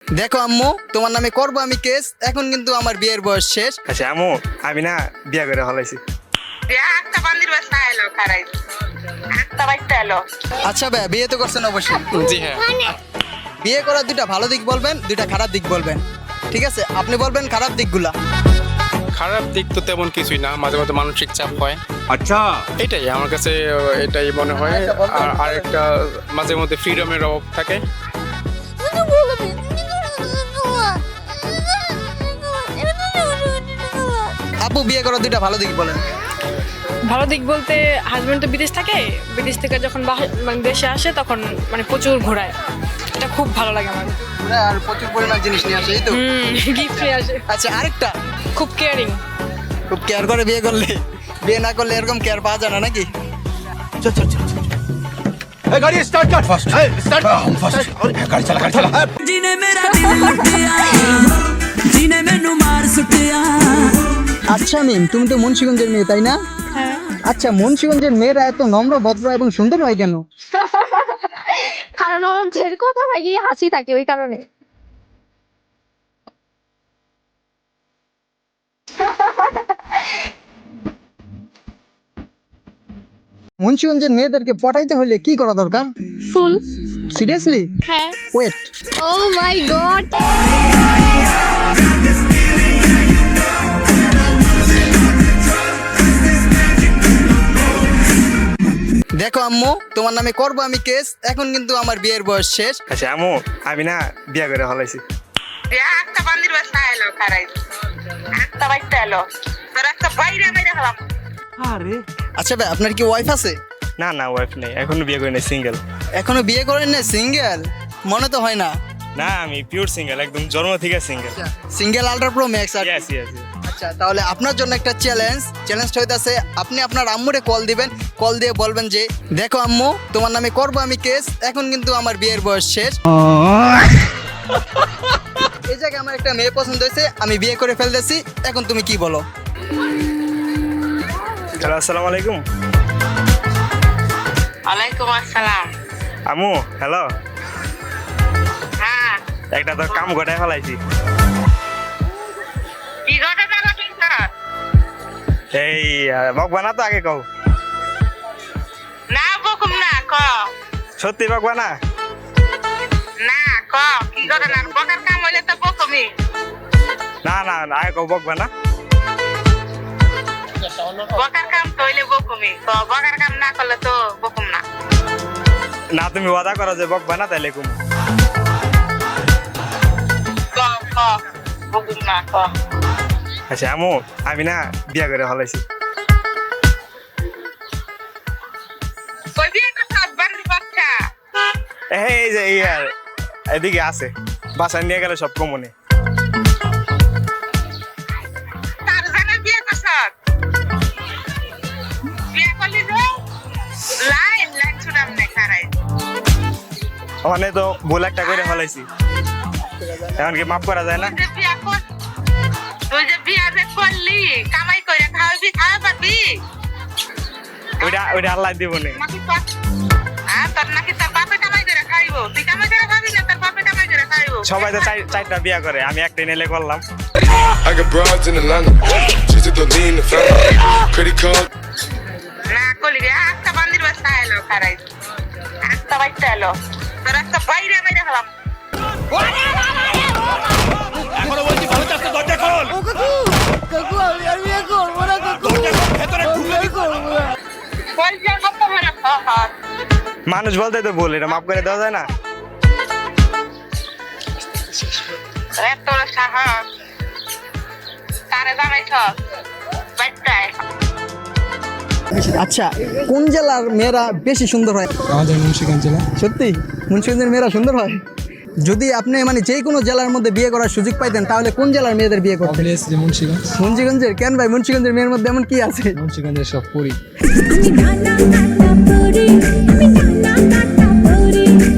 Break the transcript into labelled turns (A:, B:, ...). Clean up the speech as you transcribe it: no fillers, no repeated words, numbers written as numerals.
A: দেখো আম্মু, তোমার নামে করবো আমি কেস। এখন কিন্তু আমার বিয়ের বয়স শেষ।
B: আচ্ছা আম্মু, আমি না বিয়া করে হলাইছি।
A: আচ্ছা ভাই, বিয়ে তো করছেন অবশ্যই।
C: জি হ্যাঁ।
A: বিয়ে করার দুইটা ভালো দিক বলবেন, দুইটা খারাপ দিক বলবেন। ঠিক আছে, আপনি বলবেন খারাপ দিকগুলা।
C: খারাপ দিক তো তেমন কিছুই না, মাঝে মাঝে মানসিক চাপ হয়। আচ্ছা, এটাই আমার কাছে এটাই মনে হয়। আর আরেকটা মাঝে মধ্যে ফ্রিডমের অভাব থাকে।
A: আপু, বিয়ে করার দুইটা ভালো দিক বলেন।
D: ভালো দিক বলতে হাজবেন্ড তো বিদেশ থাকে, বিদেশ থেকে যখন মানে দেশে আসে তখন মানে প্রচুর ঘোরায়, এটা খুব ভালো লাগে আমার।
A: আর প্রচুর পরিমাণ জিনিস নিয়ে আসে, এই তো।
D: গিফট নিয়ে আসে।
A: আচ্ছা, আরেকটা,
D: খুব কেয়ারিং।
A: খুব কেয়ার করে বিয়ে করলে। বিয়ে না করলে এরকম কেয়ার পাওয়া যায় না নাকি? চল চল চল।
E: गाड़ी स्टार्ट कर फास्ट स्टार्ट फास्ट गाड़ी चला
F: जीने मेरा दिल लुटिया जीने मैनू मार सुटिया।
A: আচ্ছা মিম, তুমি তো মুন্সিগঞ্জের মেয়ে, তাই না?
D: হ্যাঁ।
A: আচ্ছা, মুন্সিগঞ্জের মেয়েরা এত নম্র, ভদ্র এবং সুন্দর হয় কেন?
G: কারণ ওর ছেড়ে কথা ভাই হাসি থাকে ওই কারণে।
A: মুন্সিগঞ্জের মেয়েদেরকে পটাইতে হলে কি করা দরকার?
G: ফুল।
A: সিরিয়াসলি?
G: হ্যাঁ।
A: Wait,
G: oh my God.
A: দেখো আম্মু, তোমার নামে করবো আমি কেস। এখন কিন্তু আমার বিয়ের বয়স শেষ।
B: আচ্ছা আম্মু, আমি না বিয়া করে হলাইছি।
A: আচ্ছা ভাই, আপনার কি ওয়াইফ আছে?
B: না না, ওয়াইফ নেই, এখনো বিয়ে করি নাই, সিঙ্গেল।
A: এখনো বিয়ে করেন না? সিঙ্গেল মনে তো হয় না।
B: না, আমি পিওর সিঙ্গেল, একদম জন্ম থেকে single.
A: Single ultra pro max.
B: Yes yes.
A: আচ্ছা, তাহলে আপনার জন্য একটা চ্যালেঞ্জটা হইতাছে, আপনি আপনার আম্মুরে কল দিবেন। কল দিয়ে বলবেন যে, দেখো আম্মু, তোমার নামে করবো আমি কেস। এখন কিন্তু আমার বিয়ের বয়স শেষ। এই জায়গায় আমার একটা মেয়ে পছন্দ হয়েছে, আমি বিয়ে করে ফেলতেছি। এখন তুমি কি বলো?
B: হ্যালো, আসসালামু আলাইকুম।
H: ওয়ালাইকুম আসসালাম।
B: আম্মু, হ্যালো।
H: হ্যাঁ,
B: একটা তো কাম ঘটায় ফেলাইছি।
H: কি ঘটনা ঘটেছে?
B: এই বকবা না তো, আগে কও।
H: না বকুম না, ক।
B: সত্যি বকবা না?
H: না, ক কি ঘটনা? বকার কাম হইলে তো বকুমি।
B: না না, আগে কও, বকবা না।
H: বকার কাম তো হইলে বকুমি, ক। বকার কাম না করলে তো বকুম না।
B: না, তুমি ওয়াদা করো যে বকবা না, তাইলে কুম।
H: ক ক বকুম না, ক।
B: আচ্ছা আম্মু, আমি না বিয়া করে হলাইছি।
H: কই বিয়ে করছ? বাড়ির বাচ্চা?
B: এই যে ইয়ার এদিকে আছে, বাসায় নিয়ে গেলে সব কমনে।
H: তার জানে বিয়ে করছ? বিয়ে করলি যে লাইন লাইন ছুটাম নে খারাই।
B: ওখানে তো ভুল একটা করে ফেলাইছি, এখন কি মাফ করা যায় না?
H: তুই যে বিয়া যে করলি, কামাই করে খাওয়াবি, খাওয়া পাবি?
B: ওইটা আল্লাহ দিব নে।
H: তোর নাকি তোর বাপে কামাই করে খাইব? তুই কামাই করে খাবি না, তোর বাপে কামাই করে খাইব?
B: সবাই তো চারটা বিয়া করে, আমি একটা নিলে করলাম।
I: I got broads in Atlanta. She's at the lean, the family. Credit card.
H: না করলি রে, একটা বান্দির বাচ্চা এলো খারাই, একটা বাচ্চা এলো, তোর একটা বাইরে আমি দেখলাম।
E: এখনো বলছি ভালো চাচ্ছে দরজা খোল
G: কাকু আমি আর বিয়ে করবো না কাকু।
E: দরজা খোল, ভেতরে ঢুকলে কি
G: করবো না।
H: কই যা কত বড় শহর।
B: মানুষ বলতে তো ভুল, এটা মাফ করে দেওয়া যায় না?
H: এত বড় সাহস, তারে জানাইছ বাচ্চায়?
A: আচ্ছা, কোন জেলার মেয়েরা বেশি সুন্দর হয়?
C: আমাদের মুন্সিগঞ্জ জেলা।
A: সত্যি মুন্সিগঞ্জের মেয়েরা সুন্দর হয়? যদি আপনি মানে যে কোনো জেলার মধ্যে বিয়ে করার সুযোগ পাইতেন, তাহলে কোন জেলার মেয়েদের বিয়ে করতেন?
C: মুন্সিগঞ্জ।
A: মুন্সিগঞ্জের? কেন ভাই, মুন্সিগঞ্জের মেয়ের মধ্যে এমন কি আছে?
C: মুন্সিগঞ্জের সব পরি।
F: আমি গানা গানা পড়ি